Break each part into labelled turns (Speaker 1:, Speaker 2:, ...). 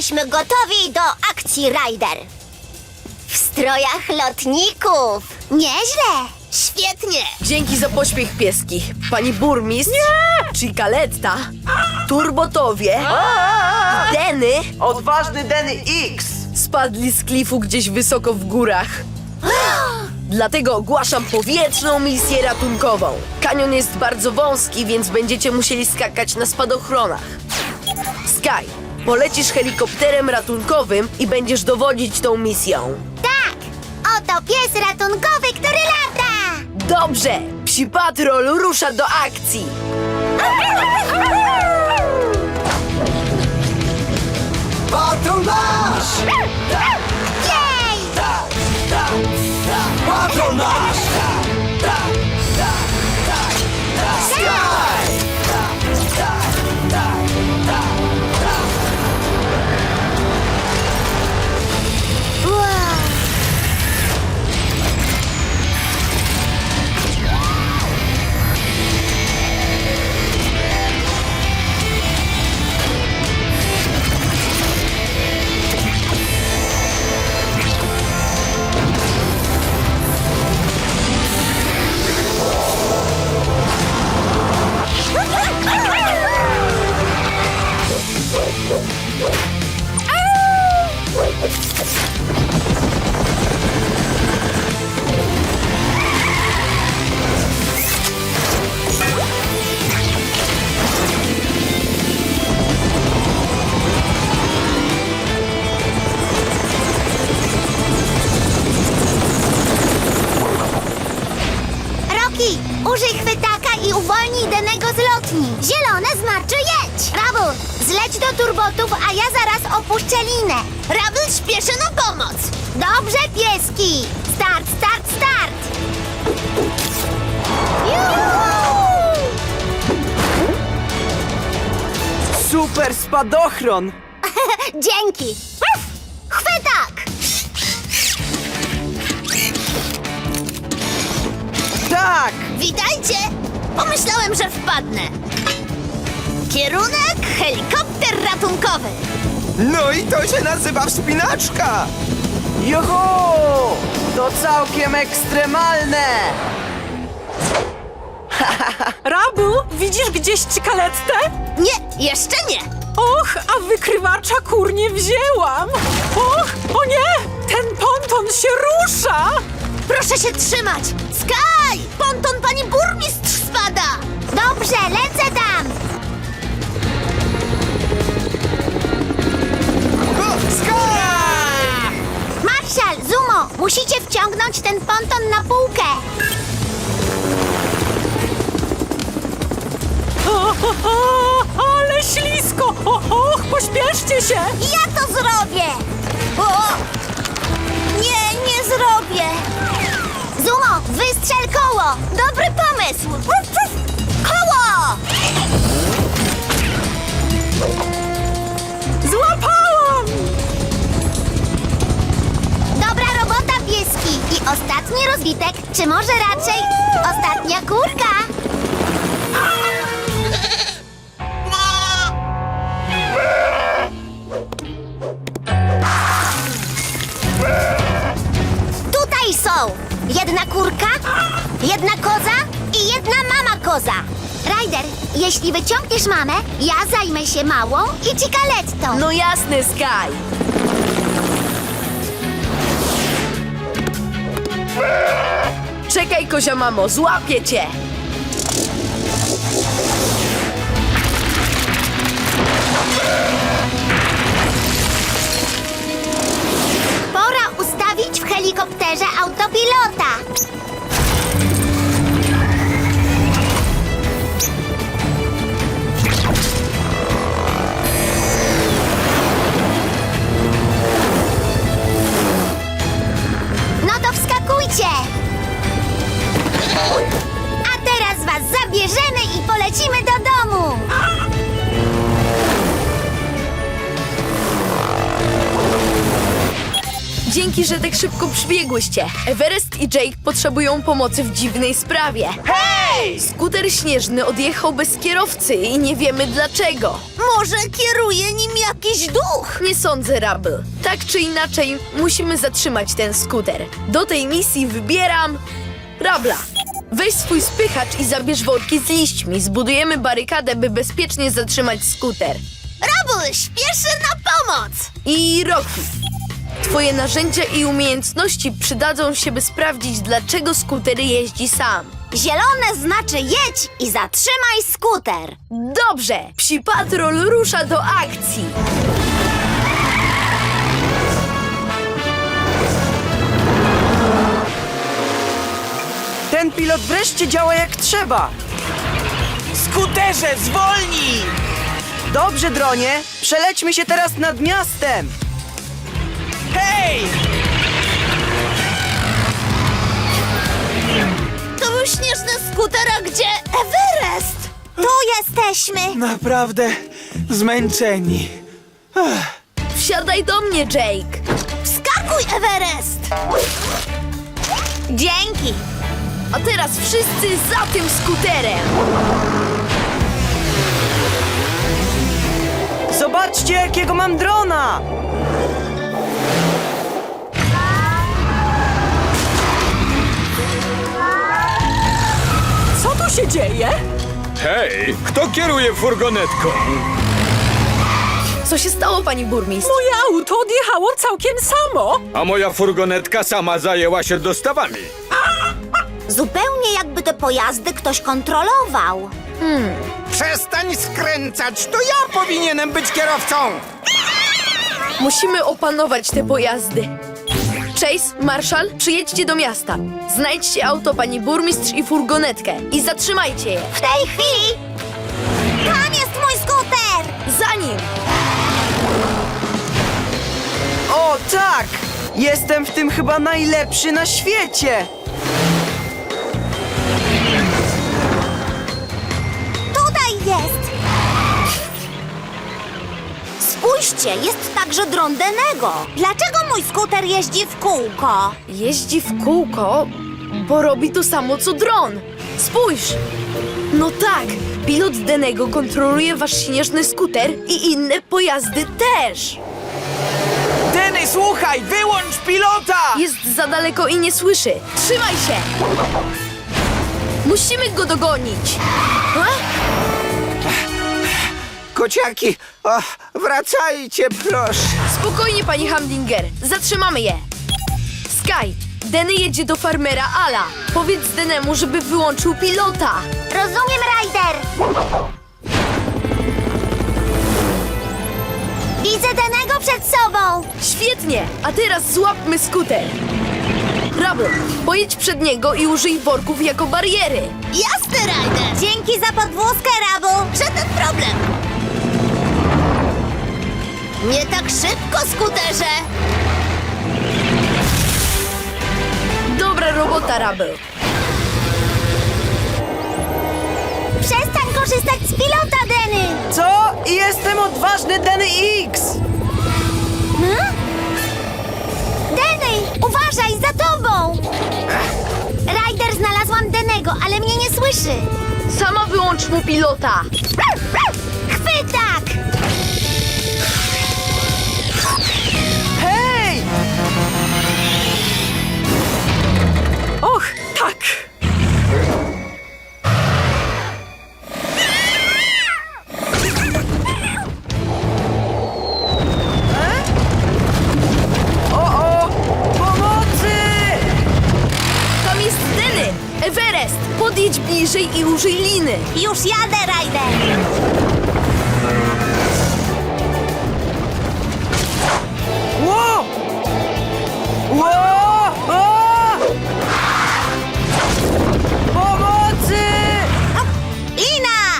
Speaker 1: Jesteśmy gotowi do akcji, Ryder. W strojach lotników. Nieźle. Świetnie.
Speaker 2: Dzięki za pośpiech, pieski. Pani burmistrz, Cicaletta, Turbotowie, Denny
Speaker 3: Odważny Denny X!
Speaker 2: spadli z klifu gdzieś wysoko w górach. Dlatego ogłaszam powietrzną misję ratunkową. Kanion jest bardzo wąski, więc będziecie musieli skakać na spadochronach. Sky, polecisz helikopterem ratunkowym i będziesz dowodzić tą misją.
Speaker 1: Tak. Oto pies ratunkowy, który lata.
Speaker 2: Dobrze! Psi Patrol rusza do akcji!
Speaker 4: Patrol nasz!
Speaker 1: Jej!
Speaker 4: Patrol nasz! Sky!
Speaker 1: Wow. Rocky, użyj chwytaka i uwolnij Dennego z lotni. Zielone znaczy jedź. Rabul, zleć do turbotów, a ja zaraz opuszczę linę. Rabul śpieszy na pomoc. Dobrze, pieski. Start, start, start. Juhu!
Speaker 3: Super spadochron!
Speaker 1: Dzięki. Uf, chwytak.
Speaker 3: Tak!
Speaker 1: Witajcie! Pomyślałem, że wpadnę. Kierunek helikopter ratunkowy.
Speaker 4: No i to się nazywa wspinaczka!
Speaker 3: Joho! To całkiem ekstremalne!
Speaker 5: Rabu, widzisz gdzieś Cicalettę?
Speaker 1: Nie, jeszcze nie.
Speaker 5: Och, a wykrywacza kur nie wzięłam! Och, o nie! Ten ponton się rusza!
Speaker 1: Proszę się trzymać. Sky! Ponton pani burmistrz spada. Dobrze, lecę tam. Marszal, Zumo, musicie wciągnąć ten ponton na półkę.
Speaker 5: Ale ślisko! Och, pośpieszcie się!
Speaker 1: Ja to zrobię! O! Nie, nie zrobię! Zumo, wystrzel koło! Dobry pomysł! Uf, uf. Koło!
Speaker 5: Złapałam!
Speaker 1: Dobra robota, pieski! I ostatni rozbitek, czy może raczej ostatnia kurka? Tutaj są jedna kurka, jedna koza i jedna mama koza. Ryder, jeśli wyciągniesz mamę, ja zajmę się małą i Cicalettą.
Speaker 2: No jasne, Sky! Czekaj, kozia mamo, złapię cię!
Speaker 1: Pora ustawić w helikopterze autopilota. No to wskakujcie. A teraz was zabierzemy i polecimy do domu.
Speaker 2: Dzięki, że tak szybko przybiegłyście. Everest i Jake potrzebują pomocy w dziwnej sprawie.
Speaker 3: Hej!
Speaker 2: Skuter śnieżny odjechał bez kierowcy i nie wiemy dlaczego.
Speaker 1: Może kieruje nim jakiś duch?
Speaker 2: Nie sądzę, Rubble. Tak czy inaczej, musimy zatrzymać ten skuter. Do tej misji wybieram... Rabla. Weź swój spychacz i zabierz worki z liśćmi. Zbudujemy barykadę, by bezpiecznie zatrzymać skuter.
Speaker 1: Rubble śpieszy na pomoc!
Speaker 2: I Rocky. Twoje narzędzia i umiejętności przydadzą się, by sprawdzić, dlaczego skuter jeździ sam.
Speaker 1: Zielone znaczy jedź i zatrzymaj skuter.
Speaker 2: Dobrze! Psi Patrol rusza do akcji!
Speaker 3: Ten pilot wreszcie działa jak trzeba.
Speaker 4: Skuterze, zwolnij!
Speaker 3: Dobrze, dronie. Przelećmy się teraz nad miastem.
Speaker 4: Hej!
Speaker 1: To był śnieżny skuter, a gdzie Everest? Tu jesteśmy.
Speaker 4: Naprawdę zmęczeni.
Speaker 2: Wsiadaj do mnie, Jake!
Speaker 1: Wskakuj, Everest! Dzięki.
Speaker 2: A teraz wszyscy za tym skuterem!
Speaker 3: Zobaczcie, jakiego mam drona!
Speaker 5: Co tu się dzieje?
Speaker 6: Hej, kto kieruje furgonetką?
Speaker 2: Co się stało, pani burmistrz?
Speaker 5: Moje auto odjechało całkiem samo.
Speaker 6: A moja furgonetka sama zajęła się dostawami.
Speaker 1: Zupełnie jakby te pojazdy ktoś kontrolował.
Speaker 4: Przestań skręcać, to ja powinienem być kierowcą!
Speaker 2: Musimy opanować te pojazdy. Chase, Marshall, przyjedźcie do miasta. Znajdźcie auto pani burmistrz i furgonetkę i zatrzymajcie je.
Speaker 1: W tej chwili... Tam jest mój skuter!
Speaker 2: Za nim!
Speaker 3: O, tak! Jestem w tym chyba najlepszy na świecie!
Speaker 1: Tutaj jest! Spójrzcie, jest także dron Denego. Dlaczego mój skuter jeździ w kółko?
Speaker 2: Jeździ w kółko, bo robi to samo co dron. Spójrz! No tak, pilot Denego kontroluje wasz śnieżny skuter i inne pojazdy też.
Speaker 4: Denny, słuchaj, wyłącz pilota!
Speaker 2: Jest za daleko i nie słyszy. Trzymaj się! Musimy go dogonić. A?
Speaker 4: Kociaki, wracajcie, proszę.
Speaker 2: Spokojnie, pani Hamdinger. Zatrzymamy je. Sky, Denny jedzie do farmera Ala. Powiedz Denemu, żeby wyłączył pilota.
Speaker 1: Rozumiem, Ryder! Widzę Denego przed sobą!
Speaker 2: Świetnie, a teraz złapmy skuter. Rubble, pojedź przed niego i użyj worków jako bariery.
Speaker 1: Jasne, Ryder! Dzięki za podwózkę, Rabu! Żaden problem! Nie tak szybko, skuterze!
Speaker 2: Dobra robota, Rubble.
Speaker 1: Przestań korzystać z pilota, Denny!
Speaker 3: Co? Jestem odważny Denny X!
Speaker 1: Denny, uważaj, za tobą! Ryder, znalazłam Denego, ale mnie nie słyszy.
Speaker 2: Sama wyłącz mu pilota.
Speaker 1: Chwytak!
Speaker 3: Hej!
Speaker 5: Och, tak.
Speaker 3: O! Pomocy!
Speaker 2: Tam jest Denny. Everest, podjedź bliżej i użyj liny.
Speaker 1: Już jadę, Ryder!
Speaker 3: Ło! Ło! O! Pomocy!
Speaker 1: Lina!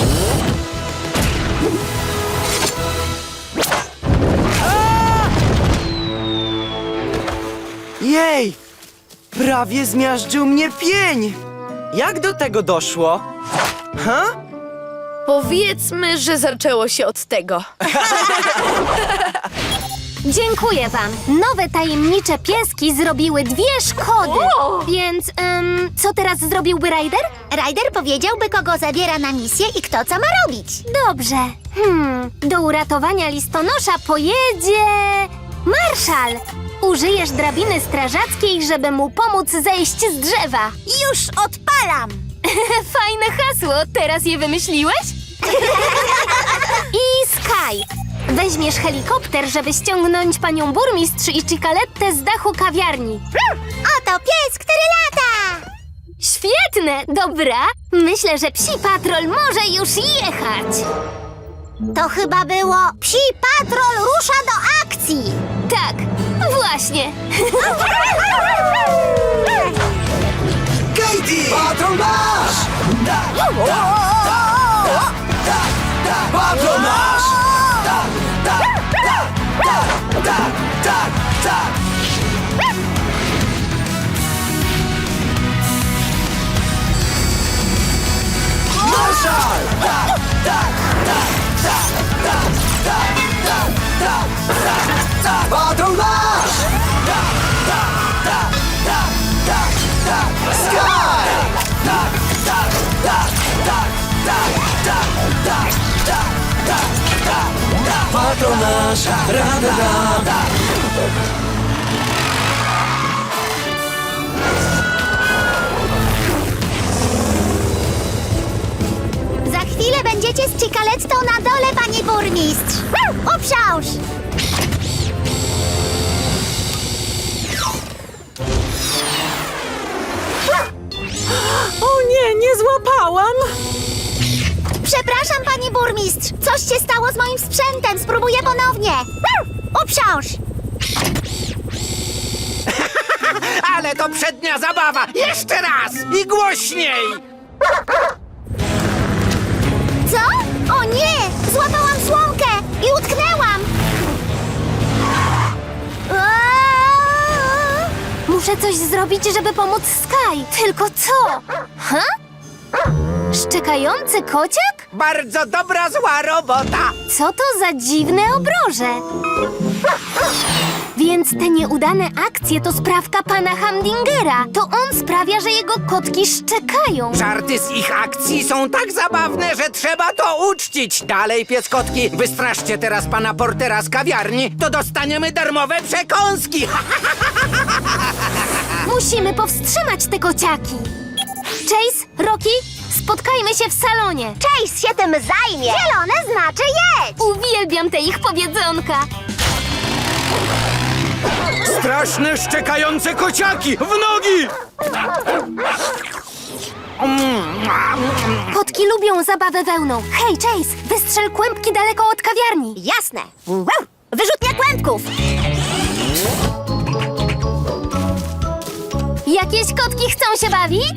Speaker 3: Jej! Prawie zmiażdżył mnie pień! Jak do tego doszło? Ha?
Speaker 2: Powiedzmy, że zaczęło się od tego.
Speaker 1: Dziękuję wam. Nowe tajemnicze pieski zrobiły 2 szkody. Więc, co teraz zrobiłby Ryder? Ryder powiedziałby, kogo zabiera na misję i kto co ma robić. Dobrze. Do uratowania listonosza pojedzie... Marszal! Użyjesz drabiny strażackiej, żeby mu pomóc zejść z drzewa. Już odpalam! Fajne hasło, teraz je wymyśliłeś? I Sky! Weźmiesz helikopter, żeby ściągnąć panią burmistrz i Cicalettę z dachu kawiarni. Oto pies, który lata! Świetne, dobra. Myślę, że Psi Patrol może już jechać. To chyba było Psi Patrol rusza do akcji. Tak, właśnie.
Speaker 3: Katie! Patrol nasz! Patrol nasz! Marszal! Patrol nasz! Sky! Patrol nasz! Ra-da-da!
Speaker 1: Za chwilę będziecie z Cicalettą na dole, pani burmistrz. Uprząż!
Speaker 5: O nie, nie złapałam!
Speaker 1: Przepraszam, pani burmistrz. Coś się stało z moim sprzętem. Spróbuję ponownie. Uprząż!
Speaker 4: Ale to przednia zabawa! Jeszcze raz! I głośniej!
Speaker 1: Co? O nie! Złapałam słomkę i utknęłam! Aaaa! Muszę coś zrobić, żeby pomóc Sky. Tylko co? Ha? Szczekający kociak?
Speaker 4: Bardzo dobra, zła robota!
Speaker 1: Co to za dziwne obroże? Więc te nieudane akcje to sprawka pana Hamdingera. To on sprawia, że jego kotki szczekają.
Speaker 4: Żarty z ich akcji są tak zabawne, że trzeba to uczcić. Dalej, pieskotki, wystraszcie teraz pana Portera z kawiarni, to dostaniemy darmowe przekąski.
Speaker 1: Musimy powstrzymać te kociaki. Chase, Rocky, spotkajmy się w salonie. Chase się tym zajmie. Zielone znaczy jedź. Uwielbiam te ich powiedzonka.
Speaker 6: Straszne, szczekające kociaki! W nogi!
Speaker 1: Kotki lubią zabawę wełną. Hej, Chase, wystrzel kłębki daleko od kawiarni. Jasne. Wyrzutnia kłębków. Jakieś kotki chcą się bawić?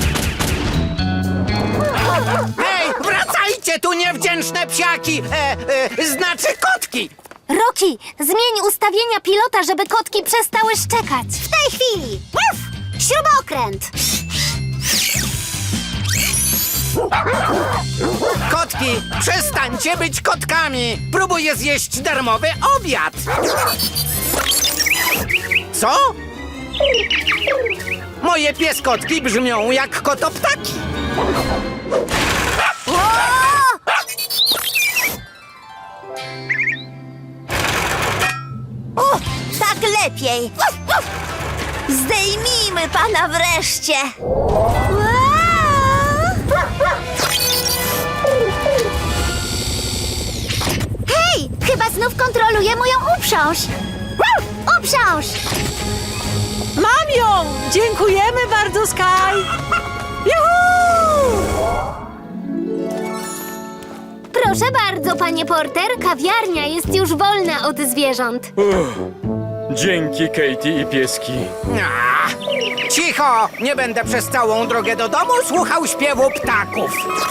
Speaker 4: Hej, wracajcie tu, niewdzięczne psiaki! Znaczy kotki!
Speaker 1: Rocky, zmień ustawienia pilota, żeby kotki przestały szczekać. W tej chwili. Śrubokręt.
Speaker 4: Kotki, przestańcie być kotkami! Próbuję zjeść darmowy obiad! Co? Moje pieskotki brzmią jak kotoptaki!
Speaker 1: Tak lepiej. Zdejmijmy pana wreszcie. Hej, chyba znów kontroluje moją uprząż. Uprząż!
Speaker 5: Mam ją! Dziękujemy bardzo, Sky! Juhu!
Speaker 1: Proszę bardzo, panie Porter, kawiarnia jest już wolna od zwierząt.
Speaker 6: Dzięki, Katie i pieski.
Speaker 4: Cicho! Nie będę przez całą drogę do domu słuchał śpiewu ptaków.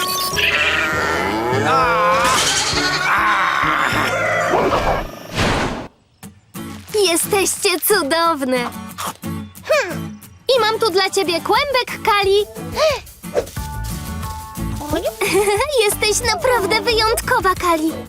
Speaker 1: Jesteście cudowne. I mam tu dla ciebie kłębek, Kali. Jesteś naprawdę wyjątkowa, Kali.